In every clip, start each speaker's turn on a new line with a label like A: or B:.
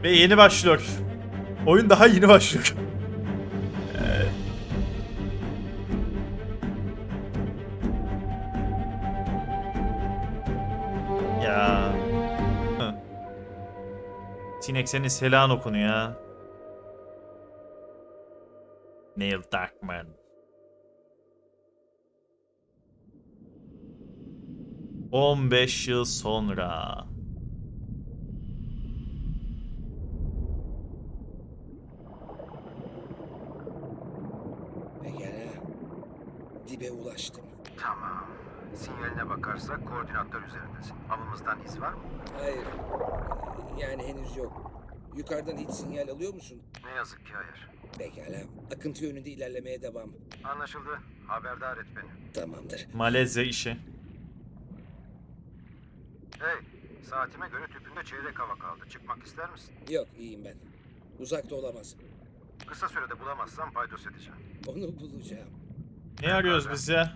A: Ve yeni başlıyor. Oyun daha yeni başlıyor. Ya. Hı. Sinek senin selan okunu ya. Neil Druckmann. ...15 yıl sonra.
B: Pekala. Dibe ulaştım.
C: Tamam. Sinyaline bakarsak koordinatlar üzerindesin. Avımızdan iz var mı?
B: Hayır. Yani henüz yok. Yukarıdan hiç sinyal alıyor musun?
C: Ne yazık ki hayır.
B: Pekala. Akıntı yönünde ilerlemeye devam.
C: Anlaşıldı. Haberdar et beni.
B: Tamamdır.
A: Malezya işi.
C: Hey, saatime göre tüpünde çeyrek hava kaldı. Çıkmak ister misin?
B: Yok, iyiyim ben. Uzakta olamaz.
C: Kısa sürede bulamazsam paydos edeceğim.
B: Onu bulacağım.
A: Ne arıyoruz biz ya?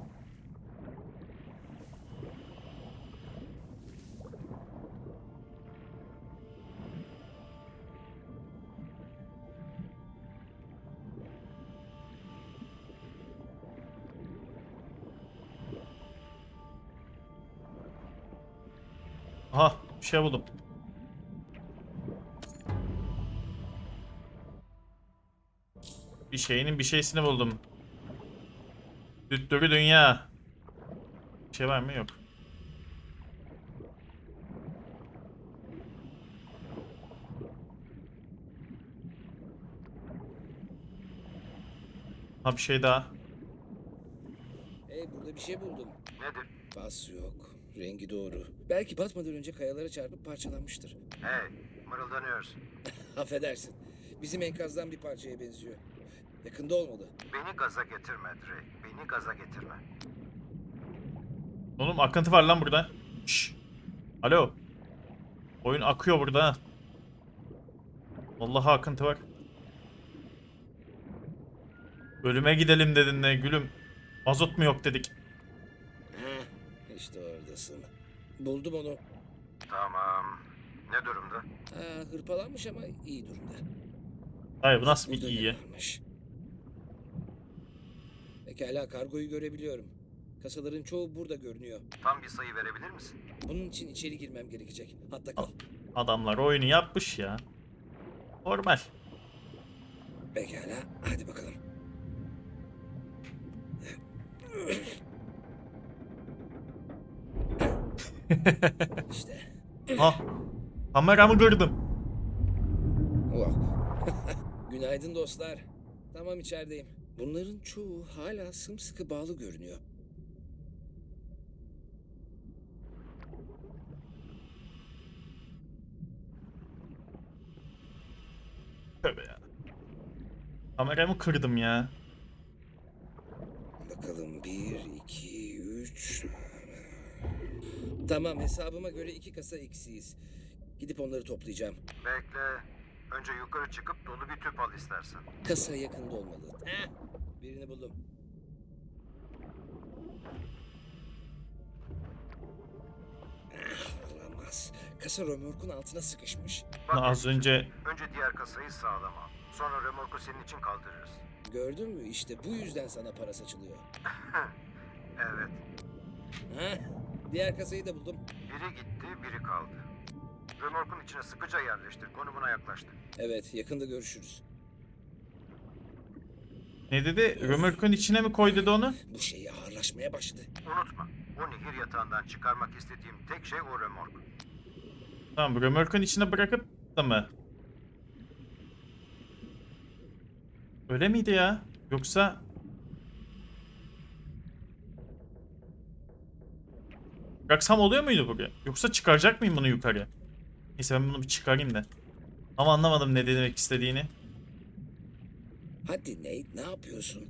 A: Aha, bir şey buldum. Bir şeyinin bir şeysini buldum. Düttürü dünya. Bir şey var mı? Yok. Ha, bir şey daha.
B: Hey, burada bir şey buldum.
C: Nedir?
B: Pas yok. Rengi doğru. Belki batmadan önce kayalara çarpıp parçalanmıştır.
C: Hey, mırıldanıyorsun.
B: Affedersin. Bizim enkazdan bir parçaya benziyor. Yakında olmalı.
C: Beni gaza getirme Drake. Beni gaza getirme.
A: Oğlum akıntı var lan burada. Şşş. Alo. Oyun akıyor burada ha. Vallahi akıntı var. Ölüme gidelim dedin ne gülüm. Mazot mu yok dedik.
B: Heh, işte oradasın. Buldum onu.
C: Tamam. Ne durumda?
B: Hırpalanmış ama iyi durumda.
A: Hayır, bu nasıl bir
B: Burada
A: iyi?
B: ne varmış? Pekala, kargoyu görebiliyorum. Kasaların çoğu burada görünüyor.
C: Tam bir sayı verebilir misin?
B: Bunun için içeri girmem gerekecek. Hatta kal.
A: Adamlar oyunu yapmış ya. Normal.
B: Pekala, hadi bakalım. İşte.
A: Ah. Kameramı kırdım.
B: Oh. Günaydın dostlar. Tamam, içerideyim. Bunların çoğu hala sımsıkı bağlı görünüyor.
A: Tövbe ya. Kameramı kırdım ya.
B: Bakalım, 1, 2, 3... Tamam, hesabıma göre 2 kasa eksiyiz. Gidip onları toplayacağım.
C: Bekle. Önce yukarı çıkıp dolu bir tüp al istersen.
B: Kasa yakında olmalı. Heh, birini buldum. Olamaz. Kasa römorkun altına sıkışmış.
C: Bak,
A: Az önce
C: önce diğer kasayı sağlam al. Sonra remorku senin için kaldırırız.
B: Gördün mü? İşte bu yüzden sana para saçılıyor.
C: Evet.
B: Heh, diğer kasayı da buldum.
C: Biri gitti, biri kaldı. Römorkun içine sıkıca yerleştir. Konumuna yaklaştı.
B: Evet, yakında görüşürüz.
A: ne dedi? Römorkun içine mi koy dedi onu?
B: Bu şey ağırlaşmaya başladı.
C: Unutma, o nehir yatağından çıkarmak istediğim tek şey o römork.
A: Tamam, römorkun içine bırakıp da mı? Öyle miydi ya? Yoksa... Bıraksam oluyor muydu buraya? Yoksa çıkaracak mıyım bunu yukarı? Neyse, ben bunu bir çıkarayım da. Ama anlamadım ne demek istediğini.
B: Hadi Nate, ne yapıyorsun?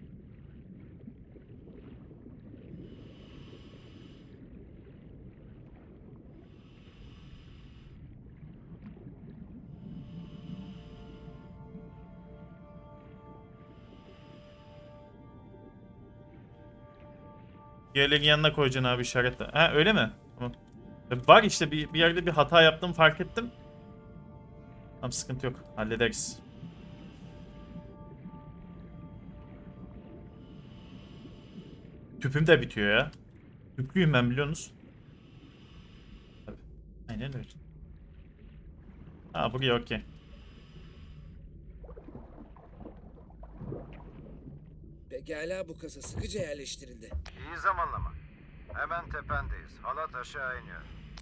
A: Diğerlerin yanına koyacaksın abi işaretle. Ha, öyle mi? Tamam. Var işte bir yerde bir hata yaptım, fark ettim. Tamam, sıkıntı yok. Hallederiz. Tüpüm de bitiyor ya. Tüplüyüm ben, biliyorsunuz. Tabii. Aynen öyle. Ha, buraya okey.
B: Pekala, bu kasa sıkıca yerleştirildi.
C: İyi zamanlama. Hemen tependeyiz. Halat aşağı iniyor.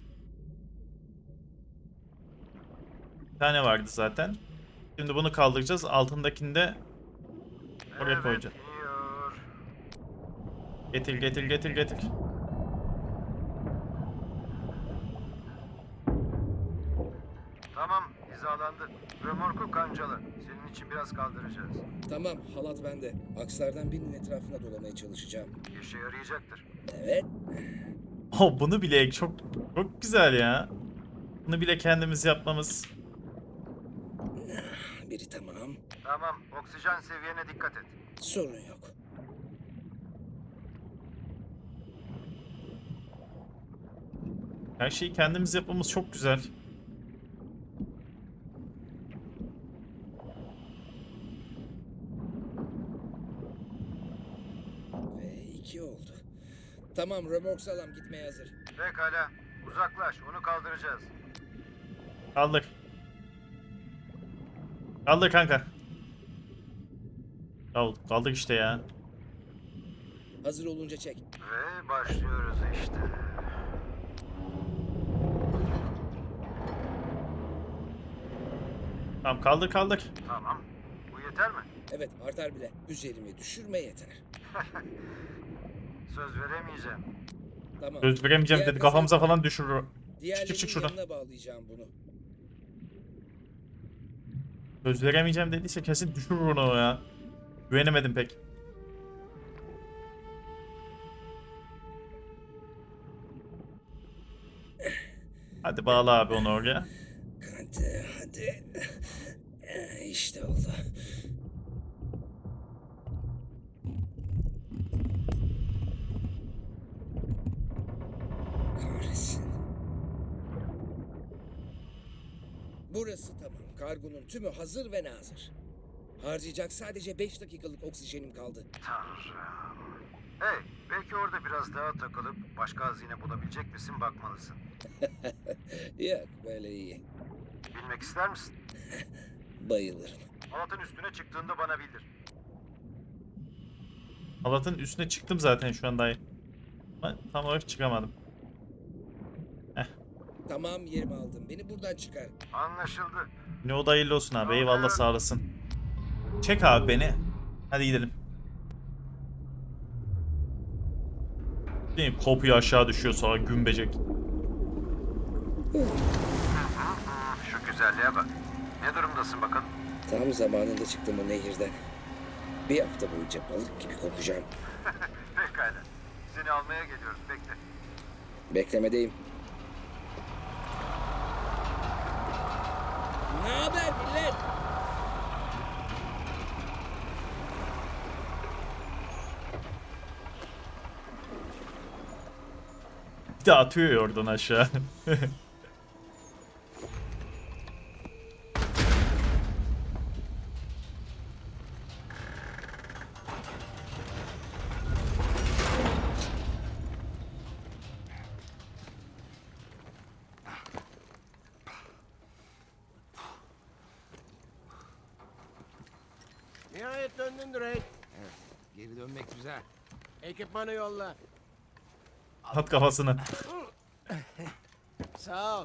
A: Bir tane vardı zaten. Şimdi bunu kaldıracağız. Altındakini de oraya koyacağız.
C: iniyor.
A: Getir getir getir getir.
C: Tamam, hizalandı. Römorku kancalı. Senin için biraz kaldıracağız.
B: Tamam, halat bende. Akslardan birinin etrafına dolamaya çalışacağım.
C: İşe yarayacaktır.
B: Evet.
A: Oh, bunu bile çok güzel ya. Bunu bile kendimiz yapmamız.
B: Biri tamam.
C: Tamam, oksijen seviyene dikkat et.
B: Sorun yok.
A: Her şeyi kendimiz yapmamız çok güzel.
B: Ve 2 oldu. Tamam, römork sağlam, gitmeye hazır.
C: Pekala, uzaklaş, onu kaldıracağız.
A: Kaldır. Kaldır kanka. Kaldır işte ya.
B: Hazır olunca çek.
C: Ve başlıyoruz işte.
A: Tamam, kaldır kaldır.
C: Tamam, bu yeter mi?
B: Evet, artar bile. Üzerime düşürme yeter.
C: Söz veremeyeceğim.
B: Tamam.
A: Söz veremeyeceğim
B: Diğer
A: dedi, kafamıza
B: kasayı-
A: falan düşürür.
B: Diğerlerinin
A: çık şuradan.
B: yanına bağlayacağım bunu.
A: Söz veremeyeceğim dediyse kesin düşürür onu ya. Güvenemedim pek. Hadi bağla abi onu oraya.
B: Hadi. İşte oldu. Kahretsin. Burası tamam. Kargonun tümü hazır ve nazır. Harcayacak sadece 5 dakikalık oksijenim kaldı.
C: Tanrım. Hey, belki orada biraz daha takılıp başka hazine bulabilecek misin bakmalısın.
B: Yok, böyle iyi.
C: Bilmek ister misin?
B: Bayılırım.
C: Halatın üstüne çıktığında bana bildir.
A: Halatın üstüne çıktım zaten şu an dayı. Ama tam olarak çıkamadım.
B: Tamam, yerimi aldım. Beni buradan çıkar.
C: Anlaşıldı.
A: Ne o da hayırlı olsun abi. Eyvallah, sağ olasın. Çek abi beni. Hadi gidelim. Değil mi? Kopuyor, aşağı düşüyor, sonra gümbecek.
C: Şu güzelliğe bak. Ne durumdasın bakalım?
B: Tam zamanında çıktım o nehirden. Bir hafta boyunca balık gibi kokacağım.
C: Pekala. Seni almaya geliyoruz. Bekle.
B: Beklemedeyim. Ne haber millet?
A: Bir de atıyor ya oradan aşağı.
D: Nihayet döndün Drake.
E: Evet, geri dönmek güzel.
D: Ekipmanı yolla.
A: At kafasını.
D: Sağ ol.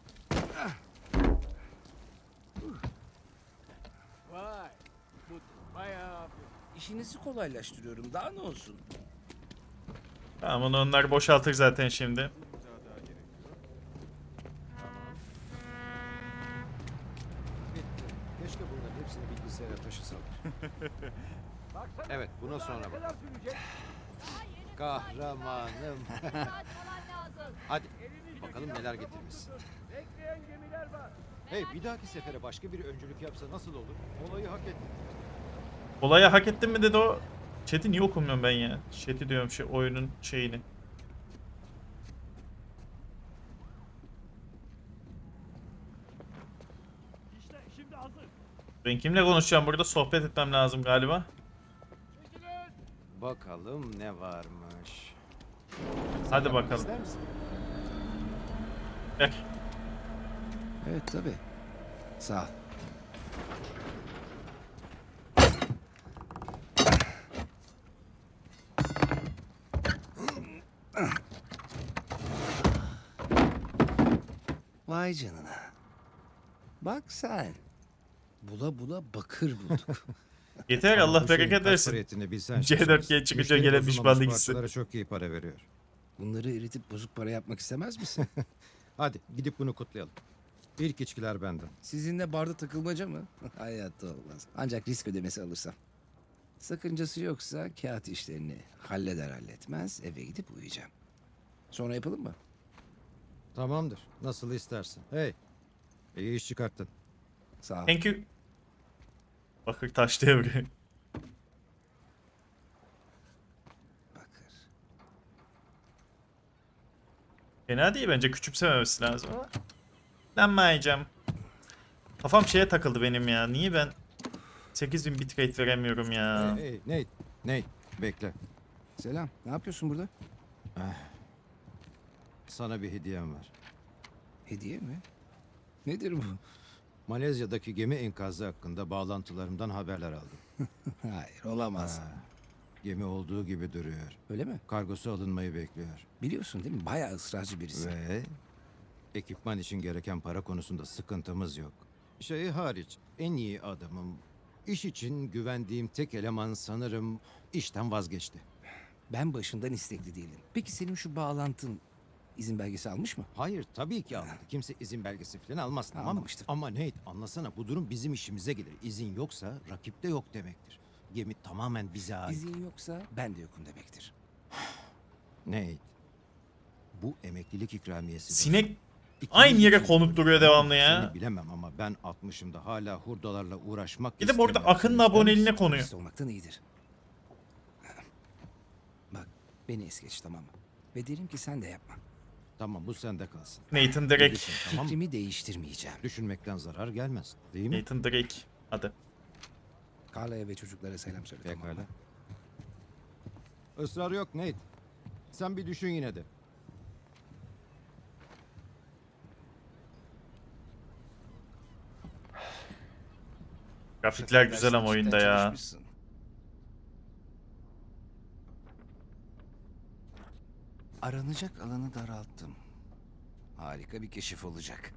D: Vay. Bu bayağı...
E: İşinizi kolaylaştırıyorum, daha ne olsun?
A: Tamam, onu onlar boşaltır zaten şimdi.
E: Bitti. Keşke bunların hepsini bilgisayara taşısalar. Evet, buna sonra bak. Kahramanım. Hadi, bakalım neler getirmişsin.
D: Bekleyen gemiler var.
E: Hey, bir dahaki sefere başka bir öncülük yapsa nasıl olur? Olayı hak etti.
A: Olayı hak ettin mi dedi o. Chat'i niye okumuyorum ben ya? Chat'i diyorum, oyunun şeyini. Ben kimle konuşacağım burada? Sohbet etmem lazım galiba.
E: Bakalım ne varmış.
A: Hadi bakalım.
E: İster misin?
A: Gel.
E: Evet tabii. Sağ ol. Vay canına. Bak sen. Bula bula bakır bulduk.
A: Yeter Allah
C: Bu şeyin
A: bereket
C: kaç
A: versin.
C: para ettiğini bilsen
A: C4G
C: şaşırırsın.
A: çıkınca
C: Müşteri
A: gelen
C: bozulmamış
A: pişmanlık hissi.
C: parçalara çok iyi para veriyor.
E: Bunları eritip bozuk para yapmak istemez misin?
C: Hadi gidip bunu kutlayalım. İlk içkiler benden.
E: Sizinle barda takılmaca mı? Hayatta olmaz. Ancak risk ödemesi alırsam. Sakıncası yoksa kağıt işlerini halleder halletmez eve gidip uyuyacağım. Sonra yapalım mı?
C: Tamamdır. Nasıl istersin. Hey. İyi iş çıkarttın.
E: Sağ ol.
A: Thank you. Bakır taş devri.
E: Bakır.
A: Fena değil bence, küçümsememesi lazım ama. Lanmayacağım. Kafam şeye takıldı benim ya. Niye ben 8000 bitrate veremiyorum ya?
C: Hey Nate. Nate. Bekle.
E: Selam. Ne yapıyorsun burada?
C: Sana bir hediyem var.
E: Hediye mi? Nedir bu?
C: Malezya'daki gemi enkazı hakkında bağlantılarımdan haberler aldım.
E: Hayır olamaz.
C: Gemi olduğu gibi duruyor.
E: Öyle mi?
C: Kargosu alınmayı bekliyor.
E: Biliyorsun değil mi? Bayağı ısrarcı birisi.
C: Ve ekipman için gereken para konusunda sıkıntımız yok. Şey hariç en iyi adamım. İş için güvendiğim tek eleman sanırım işten vazgeçti.
E: Ben başından istekli değilim. Peki senin şu bağlantın izin belgesi almış mı?
C: Hayır tabii ki almadı. Kimse izin belgesi falan almaz tamam mı?
E: Anlamıştım.
C: Ama Nate anlasana bu durum bizim işimize gelir. İzin yoksa rakipte yok demektir. Gemi tamamen bize ait.
E: İzin yoksa ben de yokum demektir.
C: Nate bu emeklilik ikramiyesi.
A: Sinek
C: İkimiz
A: aynı yere
C: için
A: konup duruyor devamlı ya.
C: Seni bilemem ama ben 60'ımda hala hurdalarla uğraşmak
A: Bir de bu arada
C: istemem.
A: Akın'ın
C: Sen ister
A: aboneliğine
C: misin?
A: konuyor.
E: Dürüst olmaktan iyidir. Bak beni es geç tamam mı? Ve derim ki sen de yapma.
C: Tamam bu sende kalsın.
A: Nathan Drake.
C: Bilirsin, tamam mı?
E: Fikrimi değiştirmeyeceğim.
C: Düşünmekten zarar gelmez. Değil mi?
A: Nathan Drake. Hadi.
E: Carla'ya ve çocuklara selam söyle tamam
C: Pekala.
E: mı?
C: Israr yok Nate. Sen bir düşün yine de.
A: Grafikler güzel ama oyunda ya.
E: Çalışmışsın. Aranacak alanı daralttım. Harika bir keşif olacak.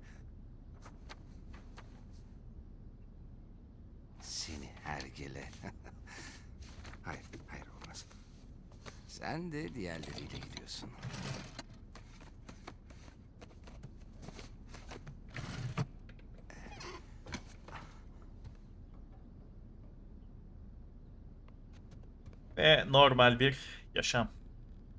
E: Seni hergele. Hayır, hayır olmaz. Sen de diğerleriyle gidiyorsun.
A: Ve normal bir yaşam.